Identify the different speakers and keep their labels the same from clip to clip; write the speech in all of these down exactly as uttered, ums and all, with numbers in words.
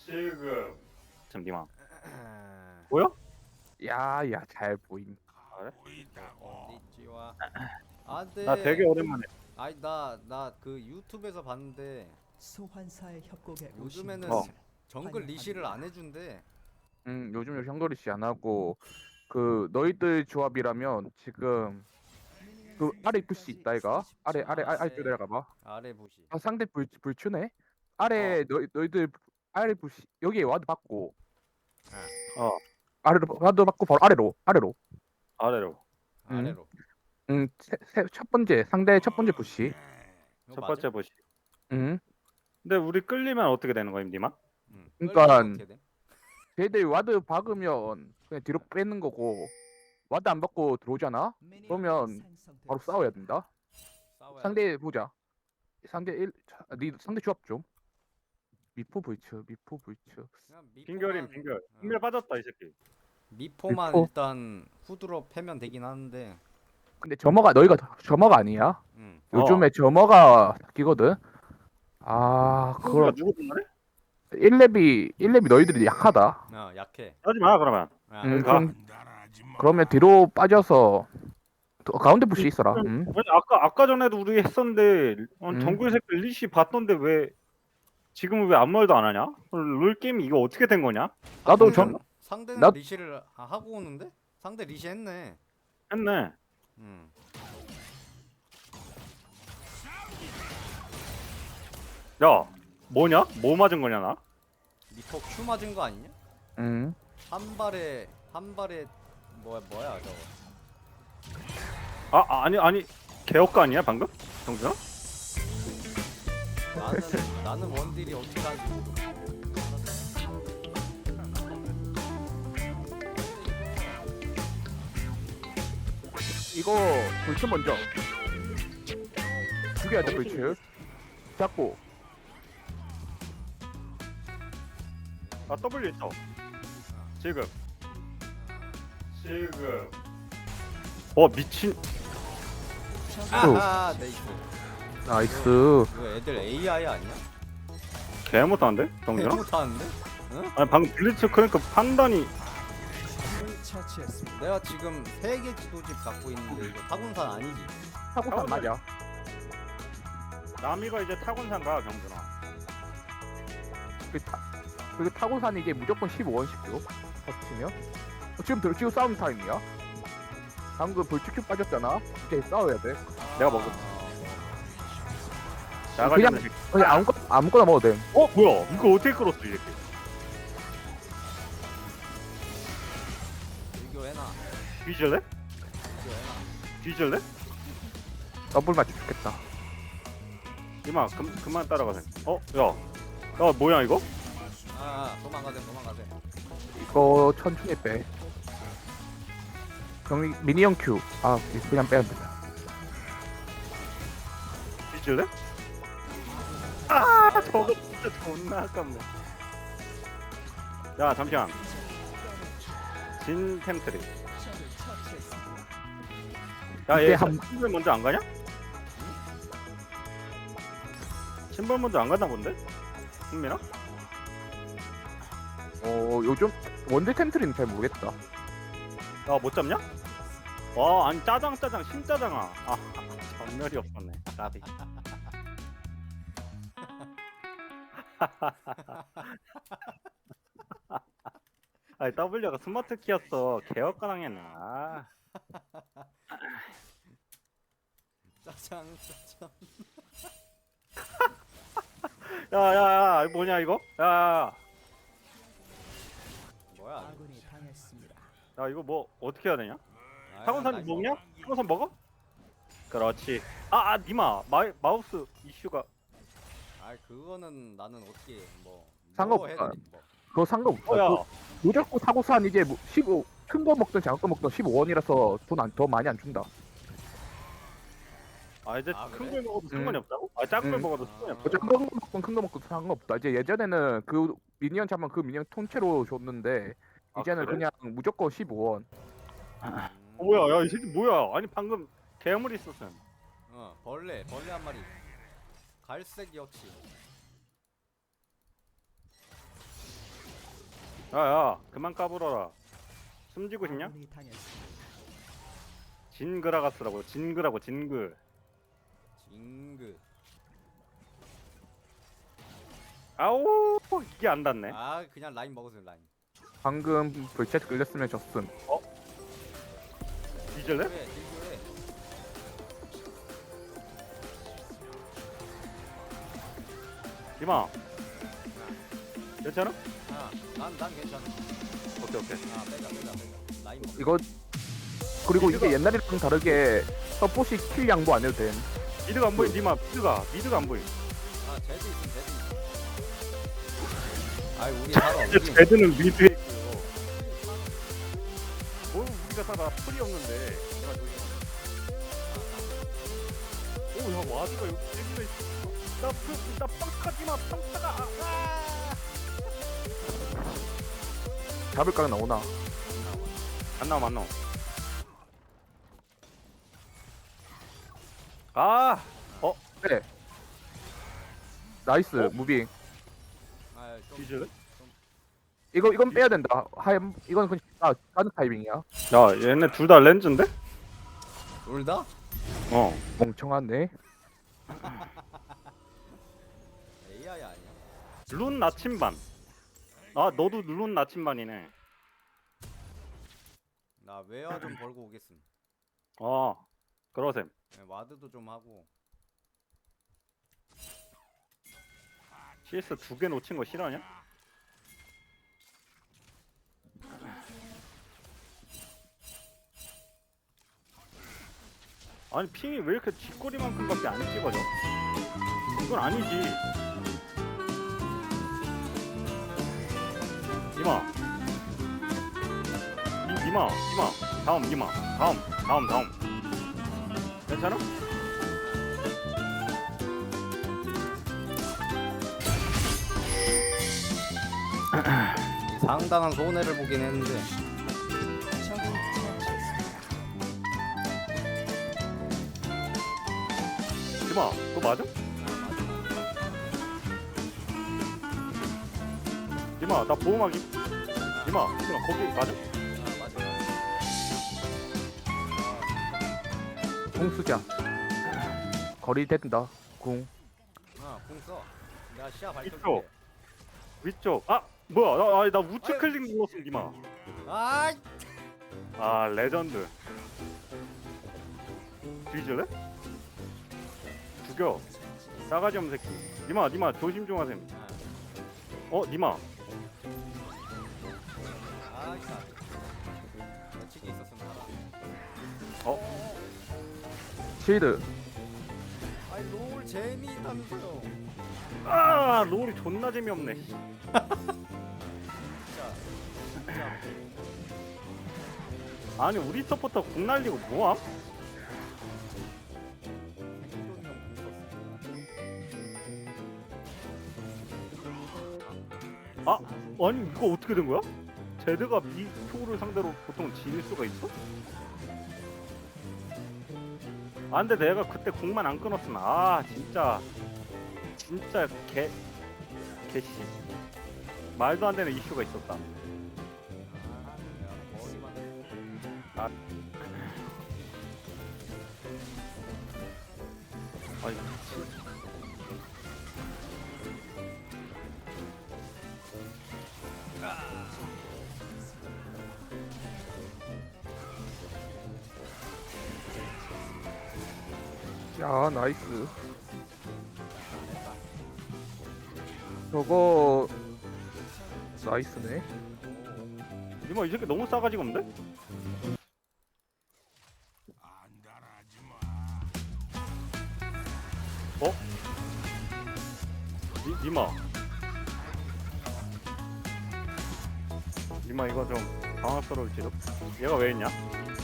Speaker 1: 지금 잠시만.
Speaker 2: 아,
Speaker 1: 보여?
Speaker 3: 야야 잘 보임.
Speaker 1: 그래?
Speaker 2: 건니찌와. 아, 네.
Speaker 1: 나 되게 오랜만에.
Speaker 2: 아니 나 나 그 유튜브에서 봤는데
Speaker 4: 소환사의 협곡에
Speaker 2: 요즘에는
Speaker 1: 어.
Speaker 2: 정글 리시를 안 해준대.
Speaker 3: 음 요즘 형거리 씨 안 하고 그 너희들 조합이라면 지금 그 아래 푸시 있다 이가 아래 아래 아래 아래 쭉 내려가봐.
Speaker 2: 아래 보시.
Speaker 3: 아, 상대 불 불추네. 아래 너희 너희들 아래 푸시 여기에 와드 받고
Speaker 1: 어
Speaker 3: 아래로 와드 받고 바로 아래로 아래로.
Speaker 1: 아래로.
Speaker 3: 음.
Speaker 2: 아래로.
Speaker 3: 음첫 번째 상대 첫 번째 푸시.
Speaker 2: 이거
Speaker 1: 첫
Speaker 2: 맞아?
Speaker 1: 번째 보시.
Speaker 3: 음.
Speaker 1: 근데 우리 끌리면 어떻게 되는 거야, 임디마?
Speaker 2: 응.
Speaker 3: 그러니까
Speaker 2: 끌리면 어떻게 돼?
Speaker 3: 쟤들 와드 박으면 그냥 뒤로 빼는 거고 와드 안 받고 들어오잖아. 그러면 바로 싸워야 된다.
Speaker 2: 싸워야 돼?
Speaker 3: 상대 보자. 상대 일, 니 상대 조합 좀. 미포 불츠, 미포 불츠.
Speaker 2: 그냥
Speaker 1: 빙결임
Speaker 2: 미포만
Speaker 1: 빙결.
Speaker 2: 어.
Speaker 1: 빙결 빠졌다 이 새끼.
Speaker 2: 미포만
Speaker 3: 미포?
Speaker 2: 일단 후드로 패면 되긴 하는데.
Speaker 3: 근데 점어가 너희가 점어가 아니야.
Speaker 2: 응.
Speaker 3: 요즘에
Speaker 1: 어.
Speaker 3: 점어가 바뀌거든. 아,
Speaker 1: 그거
Speaker 3: 그럼
Speaker 1: 누구 말해?
Speaker 3: 일 렙이 일 렙이 너희들이 약하다.
Speaker 2: 어, 약해.
Speaker 1: 하지 마 그러면.
Speaker 2: 아,
Speaker 3: 음,
Speaker 1: 가.
Speaker 3: 그럼 그러면 뒤로 빠져서 또 가운데 푸시 있어라. 음.
Speaker 1: 아니, 아까 아까 전에도 우리 했었는데 어,
Speaker 3: 음.
Speaker 1: 정글 새끼 리시 봤던데 왜 지금은 왜 아무 말도 안 하냐? 롤 게임 이거 어떻게 된 거냐?
Speaker 3: 나도
Speaker 2: 상대는,
Speaker 3: 점
Speaker 2: 상대는
Speaker 3: 나-
Speaker 2: 리시를 아, 하고 오는데? 상대 리시 했네.
Speaker 1: 했네.
Speaker 2: 응.
Speaker 1: 야 뭐냐? 뭐 맞은 거냐 나?
Speaker 2: 미포 Q 맞은 거 아니냐?
Speaker 3: 음.
Speaker 2: 한 발에 한 발에 뭐야 뭐야 저거.
Speaker 1: 아 아, 아니 아니 개혁가 아니야 방금? 정준아?
Speaker 2: 나는 나는 원딜이 어떻게 하는지 모르겠어.
Speaker 3: 이거 불츠 먼저. 죽여야 돼 불츠. 잡고.
Speaker 1: 아 W 있어. 지금. 지금. 어 미친.
Speaker 2: 아하 네이스.
Speaker 3: 나이스.
Speaker 2: 이거 애들 에이아이 아니야?
Speaker 1: 개 못하는데 정준아?
Speaker 2: 못하는데?
Speaker 1: 아니 방금 블리츠 크니까 판단이
Speaker 4: 처치했습니다.
Speaker 2: 내가 지금 세 개 지도집 갖고 있는데 이거 타군산 아니지?
Speaker 3: 타고산 맞아.
Speaker 1: 남이가 이제 타곤산가 경준아.
Speaker 3: 그 타, 그 타고산 이게 무조건 십오 원씩요. 합치면. 어, 지금 들 지금 싸움 타임이야. 방금 불치큐 빠졌잖아. 이제 싸워야 돼. 내가 먹어.
Speaker 1: 나가지
Speaker 3: 그냥-
Speaker 1: 않는 새끼.
Speaker 3: 그냥 아무거나 아무거나 먹어도 돼.
Speaker 1: 어 뭐야? 이거 어떻게 끌었어 이 새끼?
Speaker 2: 비교해놔.
Speaker 1: 뒤질래?
Speaker 2: 비교해놔.
Speaker 1: 뒤질래?
Speaker 3: 더블 맞춰 죽겠다.
Speaker 1: 이마 그, 그만 따라가세. 어? 야. 야 뭐야 이거?
Speaker 2: 아, 아 도망가세 도망가세.
Speaker 3: 이거 천천히 빼. 경리 미니언 큐. 아 그냥 빼야 된다.
Speaker 1: 뒤질래? 아 저거 진짜 존나 아깝네. 야 잠시만. 진 템트리.
Speaker 3: 이때
Speaker 1: 야얘
Speaker 3: 한-
Speaker 1: 신발 먼저 안 가냐? 신발 먼저 안 갔나 본데? 흥민아?
Speaker 3: 어 요즘 원딜 텐트리는 잘 모르겠다.
Speaker 1: 야못 잡냐? 와 아니 짜장 짜장 신짜장아. 아 전멸이 없었네. 나비. 아니 W가 스마트 키였어. 개혁가당했네. 아.
Speaker 2: 짜장 짜장.
Speaker 1: 야야야 이거 뭐냐 이거? 야,
Speaker 2: 뭐야?
Speaker 4: 아군이 당했습니다.
Speaker 1: 야 이거 뭐 어떻게 해야 되냐?
Speaker 2: 아,
Speaker 1: 타곤산
Speaker 2: 나이스.
Speaker 1: 먹냐? 타곤산 먹어? 그렇지. 아, 아 니마 마, 마우스 이슈가.
Speaker 2: 아 그거는 나는 어떻게 뭐
Speaker 3: 상관없다.
Speaker 2: 뭐 해도 뭐.
Speaker 3: 그거 상관없어.
Speaker 1: 어야.
Speaker 3: 그 무조건 타고산 이제 뭐 십오 큰 거 먹든 작은 거 먹든 십오 원이라서 돈 안 더 많이 안 준다.
Speaker 1: 아 이제
Speaker 2: 아,
Speaker 1: 큰
Speaker 2: 그래?
Speaker 1: 걸 먹어도
Speaker 3: 음.
Speaker 1: 상관이 없다고? 아 작은 걸
Speaker 3: 음.
Speaker 1: 먹어도 상관이 없다.
Speaker 3: 뭐 작은 거 먹든 큰 거 먹든 상관없다. 이제 예전에는 그 미니언 잡으면 그 미니언 통째로 줬는데
Speaker 1: 아,
Speaker 3: 이제는
Speaker 1: 그래?
Speaker 3: 그냥 무조건 십오 원.
Speaker 1: 어, 뭐야? 야 이 새끼 뭐야? 아니 방금 괴물이 있었음.
Speaker 2: 어 벌레 벌레 한 마리. 갈색 역시.
Speaker 1: 야야 그만 까불어라. 숨지고 싶냐?
Speaker 4: 아군이 당했습니다.
Speaker 1: 진그라가스라고. 진그라고 진그.
Speaker 2: 징그.
Speaker 1: 아우 이게 안 닿네.
Speaker 2: 아 그냥 라인 먹으세요 라인.
Speaker 3: 방금 불체스 끌렸으면 졌음.
Speaker 1: 뒤질래?
Speaker 2: 딜교해 딜교해.
Speaker 1: 이마 괜찮아?
Speaker 2: 아난난 괜찮아.
Speaker 1: 오케이 오케이.
Speaker 2: 아 빼자 빼자 빼자. 라인 먹.
Speaker 3: 이거 그리고
Speaker 1: 미드가-
Speaker 3: 이게 옛날이랑 좀 다르게 서포시 킬 양보 안 해도 됨.
Speaker 1: 미드가 안 보이. 니마 미드가 미드가 안 보이.
Speaker 2: 아 제드 있음 제드 있음. 아이 우리 살아 우리.
Speaker 1: 제드는 미드에 있고요. 뭘 우리가 살아. 풀이 없는데. 내가 저기 오야 와드가 여기 여기가 있어. 나나 빵타지마 빵타가. 아, 아.
Speaker 3: 잡을 각 나오나?
Speaker 1: 안 나와 안 나와. 아
Speaker 3: 그래. 나이스
Speaker 1: 어?
Speaker 3: 무빙.
Speaker 2: 아좀
Speaker 1: 뒤질래?
Speaker 3: 이거 이건 빼야 된다. 하얀 이건 그냥 아 다른 타이밍이야.
Speaker 1: 야 얘네 둘 다 렌즈인데?
Speaker 2: 둘 다?
Speaker 1: 어.
Speaker 3: 멍청하네.
Speaker 2: 에이아이 아니야?
Speaker 1: 룬 나침반. 아 너도 룬 나침반이네.
Speaker 2: 나 웨어 좀 벌고 오겠음.
Speaker 1: 어 그러셈.
Speaker 2: 네, 와드도 좀 하고.
Speaker 1: 씨에스 두 개 놓친 거 싫어하냐? 아니 핑이 왜 이렇게 뒷꼬리만큼밖에 안 찍어져? 이건 아니지. 이마. 이, 이마. 이마. 다음 이마. 다음. 다음 다음. 괜찮아?
Speaker 2: 상당한 손해를 보긴 했는데.
Speaker 4: 적을 처치했습니다.
Speaker 1: 이마. 그거 맞아? 이마. 나 보호막이. 이마. 이마. 거기 맞아?
Speaker 2: 아 맞아.
Speaker 3: 공 쓰자. 거리 된다. 공.
Speaker 2: 아궁 써. 내가 시야
Speaker 1: 이쪽.
Speaker 2: 밝혀줄게.
Speaker 1: 위쪽. 아 뭐야? 나, 아, 나 우측
Speaker 2: 아유.
Speaker 1: 클릭 눌렀어 이마.
Speaker 2: 아
Speaker 1: 아 레전드. 뒤질래? 죽여. 싸가지 없는 새끼. 니마 니마 조심 좀 하셈. 어 니마.
Speaker 2: 아 진짜. 며칠이 있었으면 살아.
Speaker 1: 어?
Speaker 3: 실드.
Speaker 2: 아이 롤 재미있다면서요.
Speaker 1: 아 롤이 존나 재미없네.
Speaker 2: 진짜. 진짜.
Speaker 1: 아니 우리 서포터 공 날리고 뭐함?
Speaker 2: 생존형 궁
Speaker 1: 아 아니 이거 어떻게 된 거야? 제드가 이 표를 상대로 보통 질 수가 있어? 아 근데 내가 그때 공만 안 끊었으면 아 진짜 진짜 개 개씨 말도 안 되는 이슈가 있었다.
Speaker 2: 썼어. 아 내가 머리만.
Speaker 1: 아 아니 미친.
Speaker 3: 야 나이스. 저거 나이스네.
Speaker 1: 이마 이 새끼 너무 싸가지가 없는데? 어? 니, 니마 니마 이거 좀 당황스러울지도. 얘가 왜 있냐?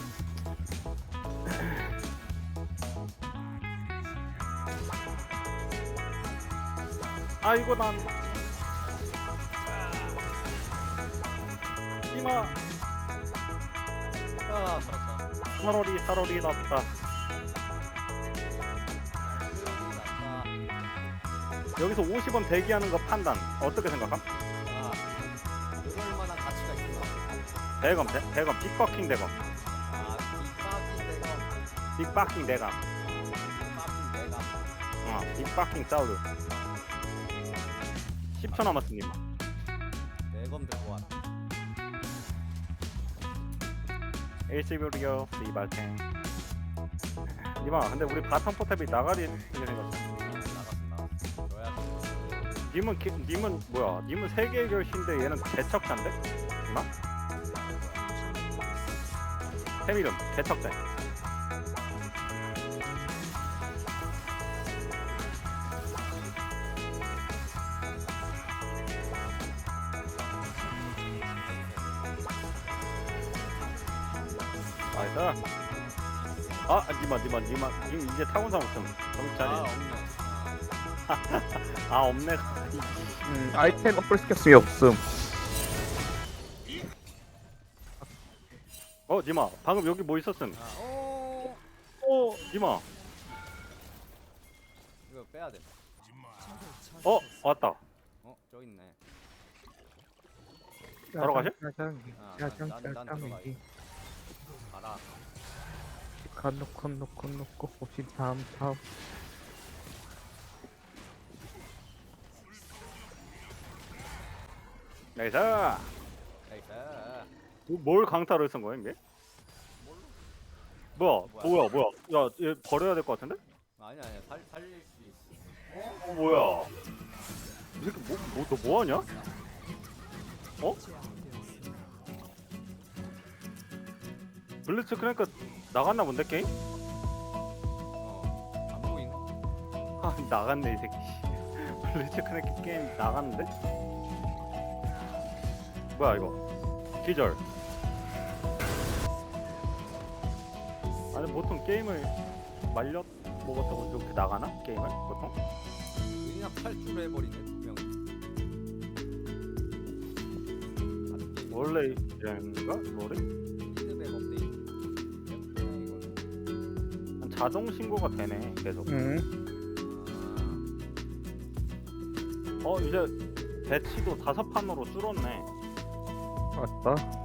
Speaker 1: 아이고 난 니마
Speaker 2: 아 살았다.
Speaker 1: 살얼이 살얼이 났다.
Speaker 2: 아,
Speaker 1: 여기서 오십 원 대기하는 거 판단 어떻게 생각함?
Speaker 2: 아, 그럴 만한
Speaker 1: 대검 대, 대검 빅버킹 대검
Speaker 2: 아 빅바킹 대검.
Speaker 1: 빅버킹 대검
Speaker 2: 빅바킹 대검.
Speaker 1: 어 빅버킹 사우드 십 초 남았습니다.
Speaker 2: 대검 들고 와라.
Speaker 1: 일시브리오 리발탱 니마 근데 우리 바텀 포탑이 나가리 생겼어.
Speaker 2: 나갔어 나갔어.
Speaker 1: 님은 기, 님은 뭐야? 님은 세계의 결신데 얘는 개척자인데? 니마? 템 이름 개척자. 나이스. 아 니마 니마 니마 님 이제 타곤사 없음. 정신
Speaker 2: 아
Speaker 1: 차리.
Speaker 2: 없네.
Speaker 1: 아 없네.
Speaker 3: 음, 아이템 업글 시켰으면 없음.
Speaker 1: 어 니마 방금 여기 뭐 있었음?
Speaker 2: 아, 오.
Speaker 1: 어 니마.
Speaker 2: 이거 빼야 돼.
Speaker 1: 어 왔다.
Speaker 2: 어 저기 있네.
Speaker 1: 바로 가실?
Speaker 3: 짜장기,
Speaker 2: 아,
Speaker 3: 짜장,
Speaker 2: 난- 난
Speaker 3: 짜장기.
Speaker 2: 들어가야지. 가라.
Speaker 3: 놓고 놓고 놓고 혹시 다음 다음.
Speaker 1: 나이스.
Speaker 2: 나이스.
Speaker 1: 뭘 강타를 쓴 거야 이게? 뭐야 뭐야 뭐야? 야얘 버려야 될 것 같은데?
Speaker 2: 아니 아니 살 살릴 수 있어.
Speaker 1: 어 뭐야? 이 새끼 뭐뭐너 뭐하냐? 어? 블리츠 그러니까 나갔나 본데 게임?
Speaker 2: 어. 안 보이나?
Speaker 1: 아 나갔네 이 새끼. 블리츠 그러니까 게임 나갔는데? 뭐야 이거? 기절. 아니 보통 게임을 말려 먹었다고 이렇게 나가나? 게임을 보통?
Speaker 2: 그냥 탈출을 해버리네 두 명.
Speaker 1: 원래 이런가? 롤이?
Speaker 2: 피드백 업데이트. 이거는.
Speaker 1: 자동 신고가 되네 계속.
Speaker 3: 응.
Speaker 2: 아,
Speaker 1: 어 이제 배치도 다섯 판으로 줄었네.
Speaker 3: 맞다.